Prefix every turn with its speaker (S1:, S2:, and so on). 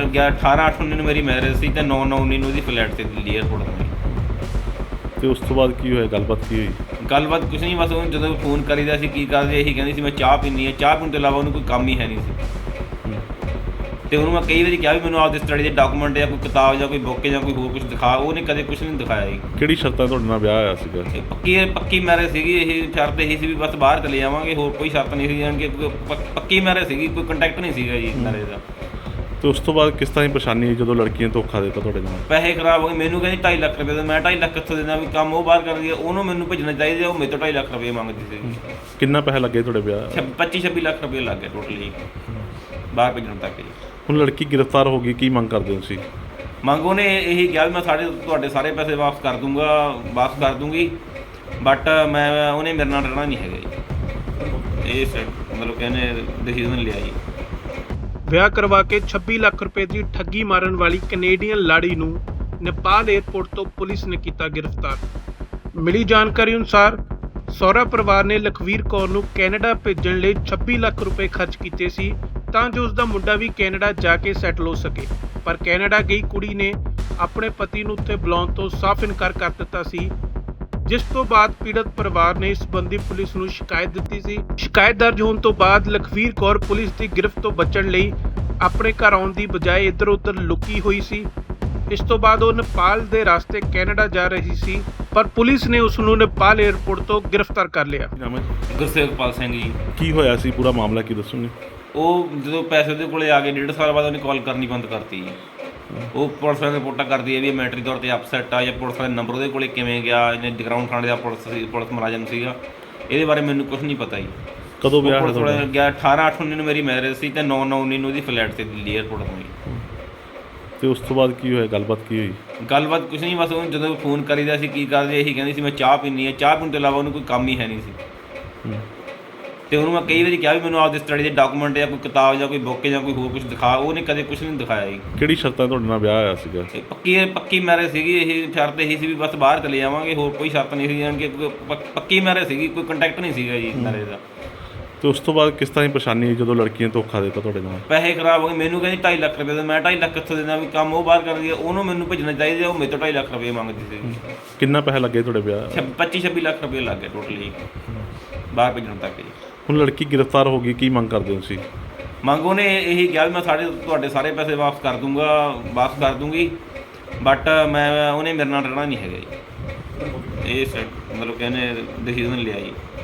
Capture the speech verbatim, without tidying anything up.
S1: ਗਿਆ ਅਠਾਰਾਂ ਅੱਠ ਉੱਨੀ ਨੂੰ ਮੇਰੀ ਮੈਰਿਜ ਸੀ ਤੇ ਨੌ ਨੌ ਉੱਨੀ ਨੂੰ ਉਹਦੀ ਫਲੈਟ ਤੇ ਦਿੱਲੀ ਏਅਰਪੋਰਟ ਤੇ।
S2: ਤੇ ਉਸ ਤੋਂ ਬਾਅਦ ਕੀ ਹੋਇਆ, ਗੱਲਬਾਤ ਕੀ ਹੋਈ?
S1: ਗੱਲਬਾਤ ਕੁਛ ਨਹੀਂ, ਬਸ ਉਹਨੂੰ ਜਦੋਂ ਫੋਨ ਕਰੀਦਾ ਸੀ ਕੀ ਕਰਦੇ ਇਹੀ ਕਹਿੰਦੀ ਸੀ ਮੈਂ ਚਾਹ ਪੀਂਦੀ ਹਾਂ, ਚਾਹ ਪੀਣ ਤੋਂ ਇਲਾਵਾ ਉਹਨੂੰ ਕੋਈ ਕੰਮ ਹੀ ਹੈ ਨਹੀਂ ਸੀ। ਤੇ ਉਹਨੂੰ ਮੈਂ ਕਈ ਵਾਰੀ ਕਿਹਾ ਵੀ ਮੈਨੂੰ ਆਪਦੇ ਸਟੱਡੀ ਦੇ ਡਾਕੂਮੈਂਟ ਜਾਂ ਕੋਈ ਕਿਤਾਬ ਜਾਂ ਕੋਈ ਬੁੱਕ ਜਾਂ ਕੋਈ ਹੋਰ ਕੁਝ ਦਿਖਾ, ਉਹਨੇ ਕਦੇ ਕੁਛ ਨਹੀਂ ਦਿਖਾਇਆ ਜੀ।
S2: ਕਿਹੜੀ ਸ਼ਰਤਾਂ ਤੁਹਾਡੇ ਨਾਲ ਵਿਆਹ ਹੋਇਆ ਸੀਗਾ?
S1: ਇਹ ਪੱਕੀ ਪੱਕੀ ਮੈਰਿਜ ਸੀਗੀ, ਇਹ ਸ਼ਰਤ ਇਹੀ ਸੀ ਵੀ ਬਸ ਬਾਹਰ ਚਲੇ ਜਾਵਾਂਗੇ, ਹੋਰ ਕੋਈ ਸ਼ਰਤ ਨਹੀਂ ਸੀ। ਜਾਣੀ ਕਿ ਕੋਈ ਪ- ਪੱਕੀ ਮੈਰਿਜ ਸੀਗੀ, ਕੋਈ ਕੰਟੈਕਟ ਨਹੀਂ ਸੀਗਾ ਜੀ ਮੈਰਿਜ ਦਾ।
S2: ਤੇ ਉਸ ਤੋਂ ਬਾਅਦ ਕਿਸ ਤਰ੍ਹਾਂ ਦੀ ਪਰੇਸ਼ਾਨੀ ਆਈ ਜਦੋਂ ਲੜਕੀ ਨੇ ਧੋਖਾ ਦਿੱਤਾ ਤੁਹਾਡੇ ਨਾਲ?
S1: ਪੈਸੇ ਖਰਾਬ ਹੋ ਗਏ, ਮੈਨੂੰ ਕਹਿੰਦੀ ਢਾਈ ਲੱਖ ਰੁਪਏ ਦਾ, ਮੈਂ ਢਾਈ ਲੱਖ ਕਿੱਥੋਂ ਦੇਣਾ, ਵੀ ਕੰਮ ਉਹ ਬਾਹਰ ਕਰਦੀ ਹੈ, ਉਹਨੂੰ ਮੈਨੂੰ ਭੇਜਣਾ ਚਾਹੀਦਾ, ਉਹ ਮੇਰੇ ਤੋਂ ਢਾਈ ਲੱਖ ਰੁਪਏ ਮੰਗਦੀ ਸੀ।
S2: ਕਿੰਨਾ ਪੈਸਾ ਲੱਗੇ ਤੁਹਾਡੇ ਵਿਆਹ?
S1: ਛ ਪੱਚੀ ਛੱਬੀ ਲੱਖ ਰੁਪਏ ਲੱਗ ਗਏ ਟੋਟਲੀ ਬਾਹਰ ਭੇਜਣ ਤੱਕ ਜੀ।
S2: ਹੁਣ ਲੜਕੀ ਗ੍ਰਿਫਤਾਰ ਹੋ ਗਈ, ਕੀ ਮੰਗ ਕਰਦੇ ਹੋ ਤੁਸੀਂ?
S1: ਮੰਗ ਉਹਨੇ ਇਹੀ ਕਿਹਾ ਵੀ ਮੈਂ ਸਾਡੇ ਤੁਹਾਡੇ ਸਾਰੇ ਪੈਸੇ ਵਾਪਸ ਕਰ ਦੂੰਗਾ, ਵਾਪਸ ਕਰ ਦੂੰਗੀ, ਬਟ ਮੈਂ ਉਹਨੇ ਮੇਰੇ ਨਾਲ ਰਹਿਣਾ ਨਹੀਂ ਹੈਗਾ ਜੀ। ਇਹ ਸ- ਮਤਲਬ ਕਿ ਇਹਨੇ ਡਿਸੀਜ਼ਨ ਲਿਆ ਜੀ।
S3: ਵਿਆਹ ਕਰਵਾ ਕੇ ਛੱਬੀ ਲੱਖ ਰੁਪਏ ਦੀ ਠੱਗੀ ਮਾਰਨ ਵਾਲੀ ਕੈਨੇਡੀਅਨ ਲਾੜੀ ਨੂੰ ਨੇਪਾਲ ਏਅਰਪੋਰਟ ਤੋਂ ਪੁਲਿਸ ਨੇ ਕੀਤਾ ਗ੍ਰਿਫਤਾਰ। ਮਿਲੀ ਜਾਣਕਾਰੀ ਅਨੁਸਾਰ ਸਹੁਰਾ ਪਰਿਵਾਰ ਨੇ ਲਖਵੀਰ ਕੌਰ ਨੂੰ ਕੈਨੇਡਾ ਭੇਜਣ ਲਈ ਛੱਬੀ ਲੱਖ ਰੁਪਏ ਖਰਚ ਕੀਤੇ ਸੀ ਤਾਂ ਜੋ ਉਸ ਦਾ ਮੁੰਡਾ ਵੀ ਕੈਨੇਡਾ ਜਾ ਕੇ ਸੈਟਲ ਹੋ ਸਕੇ, ਪਰ ਕੈਨੇਡਾ ਗਈ ਕੁੜੀ ਨੇ ਆਪਣੇ ਪਤੀ ਨੂੰ ਉੱਥੇ ਬੁਲਾਉਣ ਤੋਂ ਸਾਫ਼ ਇਨਕਾਰ ਕਰ ਦਿੱਤਾ ਸੀ, ਜਿਸ ਤੋਂ ਬਾਅਦ ਪੀੜਤ ਪਰਿਵਾਰ ਨੇ ਇਸ ਸੰਬੰਧੀ ਪੁਲਿਸ ਨੂੰ ਸ਼ਿਕਾਇਤ ਦਿੱਤੀ ਸੀ। ਸ਼ਿਕਾਇਤ ਦਰਜ ਹੋਣ ਤੋਂ ਬਾਅਦ ਲਖਵੀਰ ਕੌਰ ਪੁਲਿਸ ਦੀ ਗ੍ਰਿਫਤ ਤੋਂ ਬਚਣ ਲਈ ਆਪਣੇ ਘਰ ਆਉਣ ਦੀ ਬਜਾਏ ਇੱਧਰ ਉੱਧਰ ਲੁਕੀ ਹੋਈ ਸੀ। ਇਸ ਤੋਂ ਬਾਅਦ ਉਹ ਨੇਪਾਲ ਦੇ ਰਸਤੇ ਕੈਨੇਡਾ ਜਾ ਰਹੀ ਸੀ, ਪਰ ਪੁਲਿਸ ਨੇ ਉਸ ਨੂੰ ਨੇਪਾਲ ਏਅਰਪੋਰਟ ਤੋਂ ਗ੍ਰਿਫਤਾਰ ਕਰ ਲਿਆ।
S2: ਕੀ ਨਾਮ ਹੈ?
S1: ਗੁਰਸੇਵਕਪਾਲ ਸਿੰਘ ਜੀ।
S2: ਕੀ ਹੋਇਆ ਸੀ, ਪੂਰਾ ਮਾਮਲਾ ਕੀ ਦੱਸੋਗੇ?
S1: ਉਹ ਜਦੋਂ ਪੈਸੇ ਉਹਦੇ ਕੋਲੇ ਆ ਗਏ ਡੇਢ ਸਾਲ ਬਾਅਦ ਉਹਨੇ ਕਾਲ ਕਰਨੀ ਬੰਦ ਕਰਤੀ ਜੀ। ਉਹ ਪੁਲਿਸ ਵਾਲੇ ਰਿਪੋਰਟਾਂ ਕਰਦੀ ਹੈ ਵੀ ਮੈਂਟਰੀ ਤੌਰ ਤੇ ਅਪਸੈਟ ਆ, ਜਾਂ ਪੁਲਿਸ ਵਾਲੇ ਨੰਬਰ ਉਹਦੇ ਕੋਲੇ ਕਿਵੇਂ ਗਿਆ, ਇਹਨੇ ਜਗਰਾਉਂ ਥਾਣੇ ਦਾ ਪੁਲਿਸ ਸੀ, ਪੁਲਿਸ ਮੁਲਾਜ਼ਮ ਸੀਗਾ, ਇਹਦੇ ਬਾਰੇ ਮੈਨੂੰ ਕੁਝ ਨਹੀਂ ਪਤਾ ਜੀ।
S2: ਕਦੋਂ ਵਿਆਹ
S1: ਪੁਲਿਸ
S2: ਹੋਇਆ
S1: ਵਾਲੇ
S2: ਤੁਹਾਡਾ?
S1: ਗਿਆ ਅਠਾਰਾਂ ਅੱਠ ਉੱਨੀ ਨੂੰ ਮੇਰੀ ਮੈਰਿਜ ਸੀ ਤੇ ਨੌ ਨੌ ਉੱਨੀ ਨੂੰ ਉਹਦੀ ਫਲੈਟ ਤੇ ਦਿੱਲੀ ਏਅਰਪੋਰਟ ਤੋਂ ਜੀ।
S2: ਤੇ ਉਸ ਤੋਂ ਬਾਅਦ ਕੀ ਹੋਇਆ, ਗੱਲਬਾਤ ਕੀ ਹੋਈ?
S1: ਗੱਲਬਾਤ ਕੁਛ ਨਹੀਂ, ਬਸ ਉਹਨੂੰ ਜਦੋਂ ਫੋਨ ਕਰੀਦਾ ਸੀ ਕੀ ਕਰਦੇ ਇਹੀ ਕਹਿੰਦੀ ਸੀ ਮੈਂ ਚਾਹ ਪੀਂਦੀ ਹਾਂ, ਚਾਹ ਪੀਣ ਤੋਂ ਇਲਾਵਾ ਉਹਨੂੰ ਕੋਈ ਕੰਮ ਹੀ ਹੈ ਨਹੀਂ ਸੀ। ਤੇ ਉਹਨੂੰ ਮੈਂ ਕਈ ਵਾਰੀ ਕਿਹਾ ਵੀ ਮੈਨੂੰ ਆਪਦੇ ਸਟੱਡੀ ਦੇ ਡਾਕੂਮੈਂਟ ਜਾਂ ਕੋਈ ਕਿਤਾਬ ਜਾਂ ਕੋਈ ਬੁੱਕ ਜਾਂ ਕੋਈ ਹੋਰ ਕੁਝ ਦਿਖਾ, ਉਹਨੇ ਕਦੇ ਕੁਛ ਨਹੀਂ ਦਿਖਾਇਆ ਜੀ।
S2: ਕਿਹੜੀ ਸ਼ਰਤਾਂ ਤੁਹਾਡੇ ਨਾਲ ਵਿਆਹ ਹੋਇਆ ਸੀਗਾ?
S1: ਇਹ ਪੱਕੀ ਪੱਕੀ ਮੈਰਿਜ ਸੀਗੀ, ਇਹ ਸ਼ਰਤ ਇਹੀ ਸੀ ਵੀ ਬਸ ਬਾਹਰ ਚਲੇ ਜਾਵਾਂਗੇ, ਹੋਰ ਕੋਈ ਸ਼ਰਤ ਨਹੀਂ ਸੀ। ਜਾਣੀ ਕਿ ਕੋਈ ਪ- ਪੱਕੀ ਮੈਰਿਜ ਸੀਗੀ, ਕੋਈ ਕੰਟੈਕਟ ਨਹੀਂ ਸੀਗਾ ਜੀ ਮੈਰਿਜ ਦਾ।
S2: ਤੇ ਉਸ ਤੋਂ ਬਾਅਦ ਕਿਸ ਤਰ੍ਹਾਂ ਦੀ ਪਰੇਸ਼ਾਨੀ ਆਈ ਜਦੋਂ ਲੜਕੀ ਨੇ ਧੋਖਾ ਦਿੱਤਾ ਤੁਹਾਡੇ ਨਾਲ?
S1: ਪੈਸੇ ਖਰਾਬ ਹੋ ਗਏ, ਮੈਨੂੰ ਕਹਿੰਦੀ ਢਾਈ ਲੱਖ ਰੁਪਏ ਦਾ, ਮੈਂ ਢਾਈ ਲੱਖ ਕਿੱਥੋਂ ਦੇਣਾ, ਵੀ ਕੰਮ ਉਹ ਬਾਹਰ ਕਰਦੀ ਹੈ, ਉਹਨੂੰ ਮੈਨੂੰ ਭੇਜਣਾ ਚਾਹੀਦਾ, ਉਹ ਮੇਰੇ ਤੋਂ ਢਾਈ ਲੱਖ ਰੁਪਏ ਮੰਗਦੀ ਸੀ।
S2: ਕਿੰਨਾ ਪੈਸਾ ਲੱਗੇ ਤੁਹਾਡੇ ਵਿਆਹ?
S1: ਛ ਪੱਚੀ ਛੱਬੀ ਲੱਖ ਰੁਪਏ ਲੱਗ ਗਏ ਟੋਟਲੀ ਬਾਹਰ ਭੇਜਣ ਤੱਕ ਜੀ।
S2: ਹੁਣ ਲੜਕੀ ਗ੍ਰਿਫਤਾਰ ਹੋ ਗਈ, ਕੀ ਮੰਗ ਕਰਦੇ ਹੋ ਤੁਸੀਂ?
S1: ਮੰਗ ਉਹਨੇ ਇਹੀ ਕਿਹਾ ਵੀ ਮੈਂ ਸਾਡੇ ਤੁਹਾਡੇ ਸਾਰੇ ਪੈਸੇ ਵਾਪਸ ਕਰ ਦੂੰਗਾ, ਵਾਪਸ ਕਰ ਦੂੰਗੀ, ਬਟ ਮੈਂ ਉਹਨੇ ਮੇਰੇ ਨਾਲ ਰਹਿਣਾ ਨਹੀਂ ਹੈਗਾ ਜੀ। ਇਹ ਸ- ਮਤਲਬ ਕਿ ਇਹਨੇ ਡਿਸੀਜ਼ਨ ਲਿਆ ਜੀ।